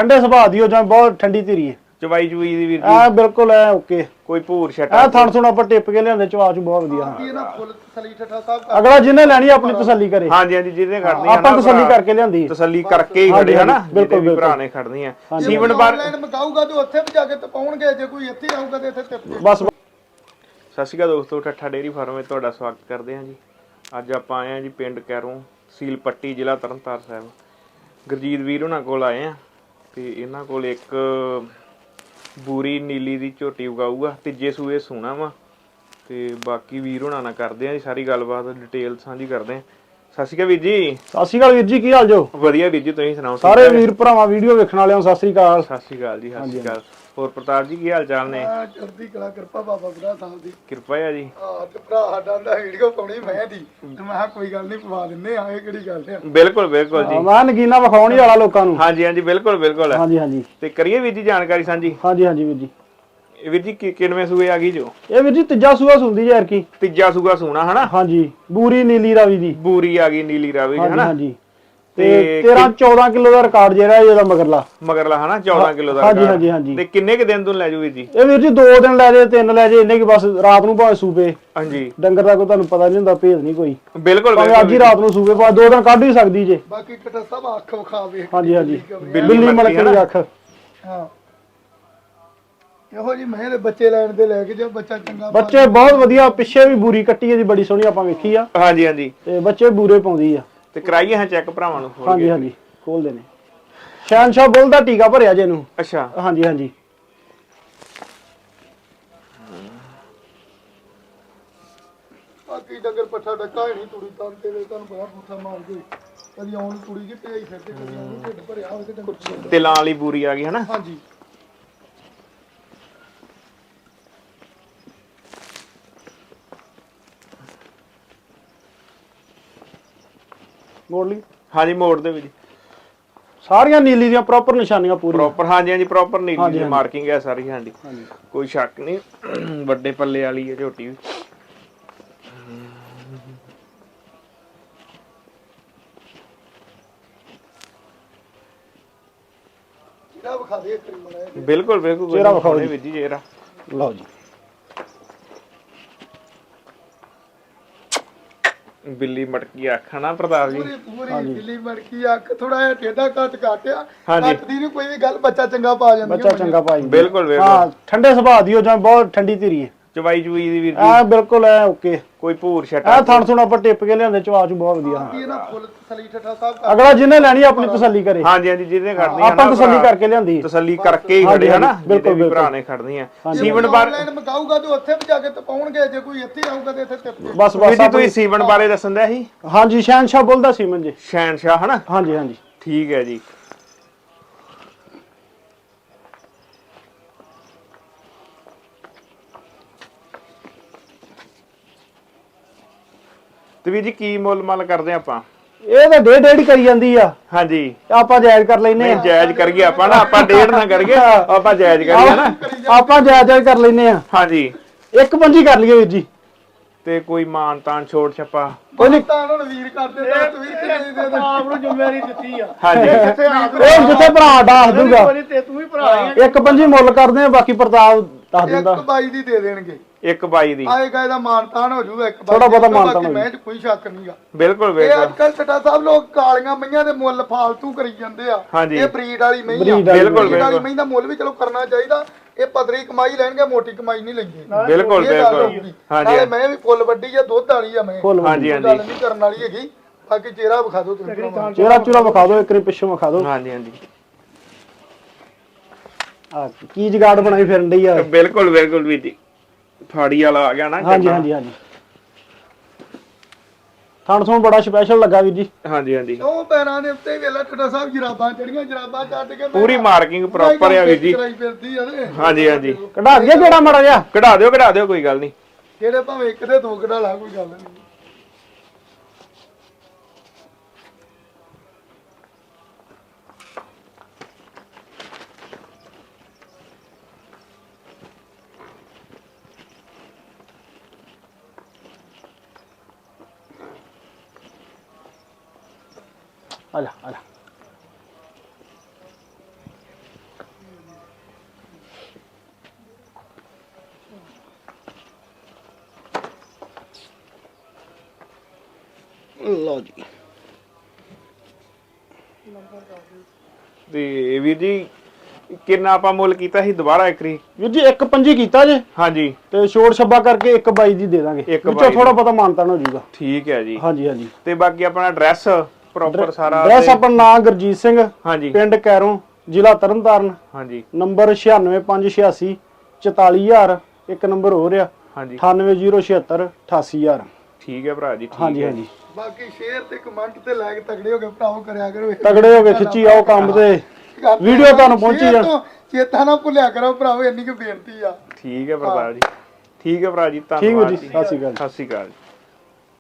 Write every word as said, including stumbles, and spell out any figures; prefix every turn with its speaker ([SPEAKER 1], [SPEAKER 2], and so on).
[SPEAKER 1] ਠੰਡੇ ਸੁਭਾਅ ਦੀ ਹੋ ਜਾਂ ਬਹੁਤ ਠੰਡੀ ਧੀਰੀ ਹੈ।
[SPEAKER 2] ਚਵਾਈ ਚੁਈ ਦੀ ਵੀਰ ਜੀ
[SPEAKER 1] ਆ ਬਿਲਕੁਲ ਐ ਓਕੇ।
[SPEAKER 2] ਕੋਈ ਭੂਰ ਛਟਾ
[SPEAKER 1] ਆ ਥਣ ਥੁਣ ਆਪਾਂ ਟਿੱਪ ਕੇ ਲਿਆਂਦੇ ਚਵਾ ਚੂ ਬਹੁਤ ਵਧੀਆ।
[SPEAKER 3] ਇਹ ਨਾ ਫੁੱਲ ਤਸੱਲੀ ਠੱਠਾ ਸਾਹਿਬ
[SPEAKER 1] ਅਗਲਾ ਜਿਹਨੇ ਲੈਣੀ ਆਪਣੀ ਤਸੱਲੀ ਕਰੇ।
[SPEAKER 2] ਹਾਂਜੀ ਹਾਂਜੀ ਜਿਹਨੇ ਖੜਨੀ ਆ
[SPEAKER 1] ਆਪਾਂ ਤਸੱਲੀ ਕਰਕੇ ਲਿਆਂਦੀ
[SPEAKER 2] ਤਸੱਲੀ ਕਰਕੇ ਹੀ ਖੜੇ ਹਨਾ
[SPEAKER 1] ਬਿਲਕੁਲ
[SPEAKER 2] ਵੀ ਭਰਾ ਨੇ ਖੜਨੀ ਆ
[SPEAKER 3] ਸੀਵਨ ਬਾਰ ਆਨਲਾਈਨ ਮਗਾਊਗਾ ਤੇ ਉੱਥੇ ਵੀ ਜਾ ਕੇ ਤਪਾਉਣਗੇ ਜੇ ਕੋਈ ਇੱਥੇ ਆਊਗਾ ਤੇ ਇੱਥੇ ਟਿਪ
[SPEAKER 1] ਬਸ।
[SPEAKER 2] ਸਤਿ ਸ਼੍ਰੀ ਅਕਾਲ ਦੋਸਤੋ, ਠੱਠਾ ਡੇਅਰੀ ਫਾਰਮ ਵਿੱਚ ਤੁਹਾਡਾ ਸਵਾਗਤ ਕਰਦੇ ਹਾਂ ਜੀ। ਅੱਜ ਆਪਾਂ ਆਏ ਹਾਂ ਜੀ ਪਿੰਡ ਕੈਰੋਂ, ਤਹਿਸੀਲ ਪੱਟੀ, ਜ਼ਿਲ੍ਹਾ ਤਰਨਤਾਰਨ ਸਾਹਿਬ। ਗੁਰਜੀਤ ਵੀਰ ਉਹਨਾਂ ਕੋਲ ਆਏ ਆ ਤੇ ਇਹਨਾਂ ਕੋਲ ਇੱਕ ਬੂਰੀ ਨੀਲੀ ਦੀ ਝੋਟੀ ਉਗਾਊਗਾ, ਤੀਜੇ ਸੂਏ ਸੋਣਾ ਵਾ ਤੇ ਬਾਕੀ ਵੀਰ ਉਹਨਾਂ ਨਾਲ ਕਰਦੇ ਆ ਜੀ ਸਾਰੀ ਗੱਲਬਾਤ, ਡਿਟੇਲ ਸਾਂਝੀ ਕਰਦੇ ਆ। ਸਤਿ ਸ਼੍ਰੀ ਅਕਾਲ ਵੀਰ ਜੀ।
[SPEAKER 1] ਸਤਿ ਸ਼੍ਰੀ ਅਕਾਲ ਵੀਰ ਜੀ, ਕੀ ਹਾਲ ਜੋ?
[SPEAKER 2] ਵਧੀਆ ਵੀਰ ਜੀ, ਤੁਸੀਂ ਸੁਣਾਓ?
[SPEAKER 1] ਸਾਰੇ ਵੀਰ ਭਰਾਵਾਂ ਵੀਡੀਓ ਵੇਖਣ ਵਾਲਿਆਂ ਸਤਿ ਸ਼੍ਰੀ ਅਕਾਲ।
[SPEAKER 2] ਸਤਿ ਸ਼੍ਰੀ ਅਕਾਲ ਜੀ। ਸਤਿ ਸ਼੍ਰੀ ਅਕਾਲ। ਹੋਰ ਪ੍ਰਤਾਪ ਜੀ ਕੀ ਹਾਲ ਚਾਲ ਨੇ?
[SPEAKER 3] ਚੜ੍ਹਦੀ ਕਲਾ, ਕਿਰਪਾ ਬਾਬਾ ਬੁੱਢਾ ਸਾਹਿਬ ਦੀ
[SPEAKER 2] ਕਿਰਪਾ ਹੈ ਜੀ।
[SPEAKER 3] ਹਾਂ ਤੇ ਭਰਾ ਸਾਡਾ ਦਾ ਵੀਡੀਓ ਪਾਉਣੀ ਮੈਂ ਦੀ ਤੇ ਮੈਂ ਕਿਹਾ ਕੋਈ ਗੱਲ ਨਹੀਂ ਪਵਾ ਦਿੰਨੇ ਆ, ਇਹ ਕਿਹੜੀ ਗੱਲ ਹੈ।
[SPEAKER 2] ਬਿਲਕੁਲ ਬਿਲਕੁਲ ਜੀ,
[SPEAKER 1] ਮੈਂ ਨਗੀਨਾ ਵਿਖਾਉਣ ਹੀ ਵਾਲਾ ਲੋਕਾਂ ਨੂੰ।
[SPEAKER 2] ਹਾਂਜੀ ਹਾਂਜੀ ਬਿਲਕੁਲ ਬਿਲਕੁਲ।
[SPEAKER 1] ਹਾਂਜੀ ਹਾਂਜੀ
[SPEAKER 2] ਤੇ ਕਰੀਏ ਵੀਰ ਜੀ ਜਾਣਕਾਰੀ ਸਾਂਝੀ।
[SPEAKER 1] ਹਾਂਜੀ ਹਾਂਜੀ ਵੀਰ ਜੀ।
[SPEAKER 2] ਵੀਰ ਜੀ ਕਿੰਨਵੇਂ ਸੂਏ ਆ ਗਈ ਜੋ?
[SPEAKER 1] ਇਹ ਵੀਰ ਜੀ ਤੀਜਾ ਸੂਆ ਸੁੰਦੀ ਯਾਰ ਕੀ।
[SPEAKER 2] ਤੀਜਾ ਸੂਆ ਸੋਣਾ ਹਨਾ।
[SPEAKER 1] ਹਾਂਜੀ ਬੂਰੀ ਨੀਲੀ ਰਾਵੀ ਦੀ।
[SPEAKER 2] ਬੂਰੀ ਆ ਗਈ ਨੀਲੀ ਰਾਵੀ ਹਨਾ।
[SPEAKER 1] ਹਾਂਜੀ ਤੇ ਤੇਰਾਂ ਚੌਦਾਂ ਕਿਲੋ ਦਾ ਰਿਕਾਰਡ ਜਿਹੜਾ ਇਹਦਾ ਮਗਰਲਾ
[SPEAKER 2] ਮਗਰਲਾ ਹਨਾ ਚੌਦਾਂ ਕਿਲੋ ਦਾ।
[SPEAKER 1] ਹਾਂਜੀ ਹਾਂਜੀ ਹਾਂਜੀ।
[SPEAKER 2] ਤੇ ਕਿੰਨੇ ਕ ਦਿਨ ਤੋਂ ਲੈ ਜਾਓ ਵੀਰ ਜੀ?
[SPEAKER 1] ਇਹ ਵੀਰ ਜੀ ਦੋ ਦਿਨ ਲੈ ਜੇ, ਤਿੰਨ ਲੈ ਜੇ, ਇੰਨੇ ਕਿ ਬਸ ਰਾਤ ਨੂੰ ਭਾਵੇਂ ਸੂਪੇ।
[SPEAKER 2] ਹਾਂਜੀ
[SPEAKER 1] ਡੰਗਰ ਦਾ ਕੋਈ ਤੁਹਾਨੂੰ ਪਤਾ ਨਹੀਂ ਹੁੰਦਾ, ਭੇਦ ਨਹੀਂ ਕੋਈ।
[SPEAKER 2] ਬਿਲਕੁਲ
[SPEAKER 1] ਭਾਵੇਂ ਅੱਜ ਹੀ ਰਾਤ ਨੂੰ ਸੂਪੇ, ਭਾਵੇਂ ਦੋ ਦਿਨ ਕੱਢ ਹੀ ਸਕਦੀ ਜੇ।
[SPEAKER 3] ਬਾਕੀ ਕਟਾ ਸਭ ਅੱਖ ਵਿਖਾਵੇ।
[SPEAKER 1] ਹਾਂਜੀ ਹਾਂਜੀ
[SPEAKER 2] ਬਿੱਲੀ
[SPEAKER 1] ਬਿੱਲੀ ਮਲਕਣੀ ਅੱਖ।
[SPEAKER 3] ਹਾਂ ਇਹੋ ਜੀ ਮੈਂ ਦੇ ਬੱਚੇ ਲੈਣ ਦੇ ਲੈ ਕੇ ਜਾ, ਬੱਚਾ ਚੰਗਾ
[SPEAKER 1] ਬੱਚੇ ਬਹੁਤ ਵਧੀਆ। ਪਿੱਛੇ ਵੀ ਬੂਰੀ ਕੱਟੀ ਇਹਦੀ ਬੜੀ ਸੋਹਣੀ ਆਪਾਂ ਵੇਖੀ ਆ।
[SPEAKER 2] ਹਾਂਜੀ ਹਾਂਜੀ
[SPEAKER 1] ਤੇ ਬੱਚੇ ਬੂਰੇ ਪਾਉਂਦੀ ਆ।
[SPEAKER 2] ਤੇ ਕਰਾਈਏ ਹਾਂ ਚੈੱਕ ਭਰਾਵਾਂ ਨੂੰ?
[SPEAKER 1] ਹਾਂਜੀ ਹਾਂਜੀ ਖੋਲਦੇ ਨੇ। ਸ਼ਹਿਨਸ਼ਾਹ ਬੁੱਲ ਦਾ ਟੀਕਾ ਭਰਿਆ ਜੇ ਇਹਨੂੰ।
[SPEAKER 2] ਅੱਛਾ
[SPEAKER 1] ਹਾਂਜੀ ਹਾਂਜੀ।
[SPEAKER 3] ਬਾਕੀ ਡੰਗਰ ਪੱਠਾ ਡੱਕਾ ਹੀ ਨਹੀਂ, ਤੁੜੀ ਤਾਂ ਤੇ ਤੁਹਾਨੂੰ ਬੜਾ ਪੁੱਠਾ ਮਾਰ ਗਈ। ਕਦੀ ਆਉਣ ਤੁੜੀ ਜੀ ਭੇਜ ਫਿਰਦੇ, ਕਦੀ ਆਉਣ ਢਿੱਡ ਭਰਿਆ ਹੋਵੇ ਤੇ ਡੰਗਰ
[SPEAKER 2] ਤਿਲਾਂ ਵਾਲੀ ਬੂਰੀ ਆ ਗਈ ਹਨਾ।
[SPEAKER 3] ਹਾਂਜੀ
[SPEAKER 1] ਮੋੜ ਲਈ।
[SPEAKER 2] ਹਾਂਜੀ ਮੋੜ ਦੇ ਵਿੱਚ
[SPEAKER 1] ਸਾਰੀਆਂ ਨੀਲੀ ਦੀਆਂ ਪ੍ਰੋਪਰ ਨਿਸ਼ਾਨੀਆਂ ਪੂਰੀਆਂ।
[SPEAKER 2] ਪ੍ਰੋਪਰ ਹਾਂਜੀ ਹਾਂਜੀ ਪ੍ਰੋਪਰ ਨੀਲੀ ਦੀ ਮਾਰਕਿੰਗ ਹੈ ਸਾਰੀ। ਹਾਂਜੀ ਕੋਈ ਸ਼ੱਕ ਨਹੀਂ, ਵੱਡੇ ਪੱਲੇ ਵਾਲੀ ਹੈ ਝੋਟੀ ਵੀ।
[SPEAKER 3] ਜਿਹੜਾ ਵਿਖਾ ਦੇ ਇੱਕ ਮੜਾ।
[SPEAKER 2] ਬਿਲਕੁਲ ਬਿਲਕੁਲ
[SPEAKER 1] ਚਿਹਰਾ ਵਿਖਾਓ
[SPEAKER 2] ਵੀਰ ਜੀ ਚਿਹਰਾ।
[SPEAKER 1] ਲਓ ਜੀ।
[SPEAKER 2] ਬਿੱਲੀ ਮਟਕੀ ਅੱਖ ਨਾ ਪ੍ਰਤਾਪ ਜੀ।
[SPEAKER 3] ਪੂਰੀ ਪੂਰੀ ਬਿੱਲੀ ਮੜਕੀ ਅੱਖ, ਥੋੜਾ ਜਿਹਾ ਟੇਢਾ ਕੱਟ ਕਾਟਿਆ।
[SPEAKER 2] ਹਾਂਜੀ
[SPEAKER 3] ਕੱਟਦੀ ਨਹੀਂ ਕੋਈ ਵੀ ਗੱਲ, ਬੱਚਾ ਚੰਗਾ ਪਾ ਜਾਂਦੀ।
[SPEAKER 1] ਬੱਚਾ ਚੰਗਾ ਪਾਈ।
[SPEAKER 2] ਬਿਲਕੁਲ ਬਿਲਕੁਲ।
[SPEAKER 1] ਹਾਂ ਠੰਡੇ ਸੁਭਾਅ ਦੀ ਹੋ ਜਾਂ ਬਹੁਤ ਠੰਡੀ ਧੀਰੀ ਹੈ।
[SPEAKER 2] ਚਵਾਈ ਚੁਈ ਦੀ ਵੀਰ ਜੀ
[SPEAKER 1] ਆ ਬਿਲਕੁਲ ਐ ਓਕੇ।
[SPEAKER 2] ਕੋਈ ਭੂਰ ਛਟਾ
[SPEAKER 1] ਆ ਥਣ ਥੁਣ ਆਪਾਂ ਟਿੱਪ ਕੇ ਲਿਆਂਦੇ ਚਵਾ ਚੂ ਬਹੁਤ ਵਧੀਆ।
[SPEAKER 3] ਇਹ ਨਾ ਫੁੱਲ ਤਸੱਲੀ ਠੱਠਾ ਸਾਹਿਬ
[SPEAKER 1] ਅਗਲਾ ਜਿਹਨੇ ਲੈਣੀ ਆਪਣੀ ਤਸੱਲੀ ਕਰੇ।
[SPEAKER 2] ਹਾਂਜੀ ਹਾਂਜੀ ਜਿਹਨੇ ਖੜਨੀ ਆ
[SPEAKER 1] ਆਪਾਂ ਤਸੱਲੀ ਕਰਕੇ ਲਿਆਂਦੀ।
[SPEAKER 2] ਤਸੱਲੀ ਕਰਕੇ ਹੀ ਖੜੇ ਹਨਾ
[SPEAKER 1] ਬਿਲਕੁਲ
[SPEAKER 2] ਵੀ ਭਰਾ ਨੇ ਖੜਨੀ ਆ।
[SPEAKER 3] ਸੀਵਨ ਬਾਰ ਆਨਲਾਈਨ ਮਗਾਊਗਾ ਤੇ ਉੱਥੇ ਵੀ ਜਾ ਕੇ ਤਪਾਉਣਗੇ, ਜੇ ਕੋਈ ਇੱਥੇ ਆਊਗਾ ਤੇ ਇੱਥੇ ਟਿਪ
[SPEAKER 1] ਬਸ ਬਸ।
[SPEAKER 2] ਜੀ ਤੁਸੀਂ ਸੀਵਨ ਬਾਰੇ ਦੱਸਣ ਦਿਆ ਸੀ?
[SPEAKER 1] ਹਾਂਜੀ ਸ਼ਹਿਨਸ਼ਾਹ ਬੁੱਲ ਦਾ ਸੀਮਨ ਜੀ।
[SPEAKER 2] ਸ਼ਹਿਨਸ਼ਾਹ ਹਨਾ।
[SPEAKER 1] ਹਾਂਜੀ ਹਾਂਜੀ
[SPEAKER 2] ਠੀਕ ਹੈ ਜੀ। ਤੇ ਵੀਰ ਜੀ ਕੀ ਮੁੱਲ ਮੱਲ ਕਰਦੇ ਆਪਾਂ?
[SPEAKER 1] ਇਹ ਤਾਂ ਡੇਢ ਡੇਢ ਕਰੀ ਜਾਂਦੀ ਆ।
[SPEAKER 2] ਹਾਂਜੀ
[SPEAKER 1] ਆਪਾਂ ਜਾਇਜ਼ ਕਰ ਲੈਨੇ ਆ।
[SPEAKER 2] ਜਾਇਜ਼ ਕਰੀਏ ਆਪਾਂ ਨਾ, ਆਪਾਂ ਡੇਢ ਨਾ ਕਰੀਏ, ਆਪਾਂ ਜਾਇਜ਼ ਕਰੀਏ ਨਾ।
[SPEAKER 1] ਆਪਾਂ ਜਾਇਜ਼ ਜਾਇਜ਼ ਕਰ ਲੈਨੇ ਆ।
[SPEAKER 2] ਹਾਂਜੀ
[SPEAKER 1] ਇੱਕ ਪੰਜੀ ਕਰ ਲਈਏ ਵੀਰ ਜੀ।
[SPEAKER 2] ਤੇ ਕੋਈ ਮਾਨ ਤਾਨ ਛੋੜ ਛੱਪਾ
[SPEAKER 3] ਕੋਈ ਨਹੀਂ। ਤਾਂ ਹੁਣ ਵੀਰ ਕਰਦੇ ਤਾਂ ਤੂੰ ਵੀ ਕਿੰਨੇ ਦੇ
[SPEAKER 4] ਆਪ ਨੂੰ ਜ਼ਿੰਮੇਵਾਰੀ ਦਿੱਤੀ ਆ।
[SPEAKER 2] ਹਾਂਜੀ
[SPEAKER 1] ਇਹ ਜਿੱਥੇ ਭਰਾ ਦੱਸ ਦੂਗਾ।
[SPEAKER 4] ਤੇ ਤੂੰ ਵੀ ਭਰਾ ਹੀ
[SPEAKER 1] ਇੱਕ ਪੰਜੀ ਮੁੱਲ ਕਰਦੇ ਆ, ਬਾਕੀ ਪ੍ਰਤਾਪ ਦੱਸ ਦਿੰਦਾ।
[SPEAKER 3] ਇੱਕ ਬਾਈ ਦੀ ਦੇ ਦੇਣਗੇ।
[SPEAKER 2] ਇੱਕ ਬਾਈ ਦੀ
[SPEAKER 3] ਆਏਗਾ ਇਹਦਾ ਮਾਨਤਾਨ ਹੋ ਜਾਊਗਾ। ਇੱਕ
[SPEAKER 1] ਥੋੜਾ ਬਹੁਤਾ ਮਾਨਤਾਨ ਹੋ
[SPEAKER 3] ਮੈਂ ਚ ਕੋਈ ਸ਼ੱਕ ਨਹੀਂਗਾ।
[SPEAKER 2] ਬਿਲਕੁਲ
[SPEAKER 3] ਇਹ
[SPEAKER 2] ਬਿਲਕੁਲ।
[SPEAKER 3] ਅੱਜ ਕੱਲ ਛੱਟਾ ਸਾਹਿਬ ਲੋਕ ਕਾਲੀਆਂ ਮਈਆਂ ਦੇ ਮੁੱਲ ਫਾਲਤੂ ਕਰੀ ਜਾਂਦੇ ਆ।
[SPEAKER 2] ਹਾਂਜੀ।
[SPEAKER 3] ਇਹ ਬਰੀਡ ਵਾਲੀ ਮਈ ਆ।
[SPEAKER 1] ਬਰੀਡ
[SPEAKER 2] ਬਿਲਕੁਲ
[SPEAKER 3] ਬਰੀਡ ਵਾਲੀ
[SPEAKER 2] ਬਿਲਕੁਲ
[SPEAKER 3] ਮਈ ਦਾ ਮੁੱਲ ਵੀ ਚਲੋ ਕਰਨਾ ਚਾਹੀਦਾ। ਇਹ ਪਤਲੀ ਕਮਾਈ ਲੈਣਗੇ, ਮੋਟੀ ਕਮਾਈ ਨਹੀਂ ਲੈਂਦੇ।
[SPEAKER 2] ਬਿਲਕੁਲ ਬਿਲਕੁਲ।
[SPEAKER 3] ਹਾਂਜੀ ਮੈਂ ਵੀ ਫੁੱਲ ਵੱਡੀ ਆ, ਦੁੱਧ ਵਾਲੀ ਆ ਮੈਂ।
[SPEAKER 2] ਹਾਂਜੀ
[SPEAKER 3] ਗੱਲ ਨਹੀਂ ਕਰਨ ਵਾਲੀ ਹੈਗੀ। ਬਾਕੀ ਚਿਹਰਾ ਵਿਖਾ ਦਿਓ ਤੁਸੀਂ।
[SPEAKER 1] ਚਿਹਰਾ ਚੂਰਾ ਵਿਖਾ ਦਿਓ, ਇੱਕ ਰੀ ਪਿੱਛੋਂ ਵਿਖਾ ਦਿਓ।
[SPEAKER 2] ਹਾਂਜੀ ਹਾਂਜੀ
[SPEAKER 1] ਆ ਕੀ ਜਗਾੜ ਬਣਾਈ ਫਿਰਨ ਡਈ ਆ।
[SPEAKER 2] ਬਿਲਕੁਲ ਬਿਲਕੁਲ ਵੀਰ ਜੀ। ਫਾੜੀ ਵਾਲਾ ਆ ਗਿਆ ਨਾ।
[SPEAKER 1] ਹਾਂਜੀ ਹਾਂਜੀ ਹਾਂਜੀ। ਥਣ ਥਣ ਬੜਾ ਸਪੈਸ਼ਲ ਲੱਗਾ ਵੀਰ ਜੀ।
[SPEAKER 2] ਹਾਂਜੀ ਹਾਂਜੀ।
[SPEAKER 3] ਉਹ ਪੈਰਾਂ ਦੇ ਉੱਤੇ ਵੇਲਾ ਛੱਟਾ ਸਾਹਿਬ ਜਰਾਬਾਂ ਚੜੀਆਂ, ਜਰਾਬਾਂ ਚੱਟ ਕੇ
[SPEAKER 2] ਪੂਰੀ ਮਾਰਕਿੰਗ ਪ੍ਰੋਪਰ ਆ ਵੀਰ ਜੀ।
[SPEAKER 3] ਕਰਾਈ ਫਿਰਦੀ ਆ ਤੇ।
[SPEAKER 2] ਹਾਂਜੀ ਹਾਂਜੀ।
[SPEAKER 1] ਕਢਾ ਦਈਏ ਕਿਹੜਾ ਮਾੜਾ ਜਿਹਾ?
[SPEAKER 2] ਕਢਾ ਦਿਓ ਕਢਾ ਦਿਓ ਕੋਈ ਗੱਲ ਨਹੀਂ।
[SPEAKER 3] ਕਿਹੜੇ ਭਾਵੇਂ ਇੱਕ ਤੇ ਦੋ ਕਢਾ ਲਾ, ਕੋਈ ਗੱਲ ਨਹੀਂ।
[SPEAKER 1] ਆ ਜਾ ਆ ਜਾ। ਲਓ ਜੀ।
[SPEAKER 2] ਤੇ ਵੀਰ ਜੀ ਕਿੰਨਾ ਆਪਾਂ ਮੁੱਲ ਕੀਤਾ ਸੀ ਦੁਬਾਰਾ ਇੱਕਰੀ?
[SPEAKER 1] ਵੀਰ ਜੀ ਇੱਕ ਪੰਜੀ ਕੀਤਾ ਜੇ
[SPEAKER 2] ਹਾਂਜੀ
[SPEAKER 1] ਤੇ ਛੋੜ ਛੱਬਾ ਕਰਕੇ ਇੱਕ ਬਾਈ ਦੀ ਦੇ ਦਾਂਗੇ,
[SPEAKER 2] ਇੱਕ
[SPEAKER 1] ਵਿੱਚੋਂ
[SPEAKER 2] ਬਾਈ
[SPEAKER 1] ਥੋੜਾ ਬਹੁਤਾ ਮਾਨਤਾਨ ਹੋ ਜਾਊਗਾ।
[SPEAKER 2] ਠੀਕ ਹੈ ਜੀ।
[SPEAKER 1] ਹਾਂਜੀ ਹਾਂਜੀ।
[SPEAKER 2] ਤੇ ਬਾਕੀ ਆਪਣਾ ਐਡਰੈਸ ਪ੍ਰੋਪਰ ਸਾਰਾ
[SPEAKER 1] ਐਡਰੈਸ
[SPEAKER 2] ਤੇ-
[SPEAKER 1] ਆਪਣਾ ਨਾਮ ਗੁਰਜੀਤ ਸਿੰਘ,
[SPEAKER 2] ਹਾਂਜੀ
[SPEAKER 1] ਪਿੰਡ ਕੈਰੋਂ, ਜ਼ਿਲ੍ਹਾ ਤਰਨਤਾਰਨ,
[SPEAKER 2] ਹਾਂਜੀ
[SPEAKER 1] ਨੰਬਰ ਛਿਆਨਵੇਂ ਪੰਜ ਛਿਆਸੀ ਚੁਤਾਲੀ ਹਜ਼ਾਰ, ਇੱਕ ਨੰਬਰ ਹੋ ਰਿਹਾ
[SPEAKER 2] ਹਾਂਜੀ
[SPEAKER 1] ਅਠਾਨਵੇਂ ਜ਼ੀਰੋ ਛਿਅੱਤਰ ਅਠਾਸੀ ਹਜ਼ਾਰ।
[SPEAKER 2] ਠੀਕ ਹੈ ਭਰਾ ਜੀ। ਠੀਕ
[SPEAKER 1] ਹਾਂਜੀ
[SPEAKER 2] ਹੈ
[SPEAKER 1] ਹਾਂਜੀ।
[SPEAKER 3] ਬਾਕੀ ਸ਼ੇਅਰ ਤੇ ਕਮੈਂਟ ਤੇ ਲਾਇਕ ਤਗੜੇ ਹੋ ਕੇ ਭਰਾਓ ਕਰਿਆ ਕਰੋ।
[SPEAKER 1] ਤਗੜੇ ਹੋ ਕੇ ਖਿੱਚੀ ਆਓ ਕੰਮ ਤੇ ਵੀਡੀਓ ਤੁਹਾਨੂੰ ਪਹੁੰਚੀ
[SPEAKER 3] ਸ਼ੇਅਰ
[SPEAKER 1] ਜਾਣ।
[SPEAKER 3] ਤੋਂ ਚੇਤਾ ਨਾ ਭੁੱਲਿਆ ਕਰੋ ਭਰਾਓ, ਇੰਨੀ ਕੁ ਬੇਨਤੀ ਆ।
[SPEAKER 2] ਠੀਕ ਹੈ ਪ੍ਰਤਾਪ ਜੀ। ਠੀਕ ਹੈ ਭਰਾ ਜੀ,
[SPEAKER 1] ਠੀਕ ਹੈ
[SPEAKER 2] ਧੰਨਵਾਦ
[SPEAKER 1] ਜੀ,
[SPEAKER 2] ਜੀ।
[SPEAKER 1] ਸਤਿ ਸ਼੍ਰੀ ਅਕਾਲ।
[SPEAKER 2] ਸਤਿ ਸ਼੍ਰੀ ਅਕਾਲ ਜੀ।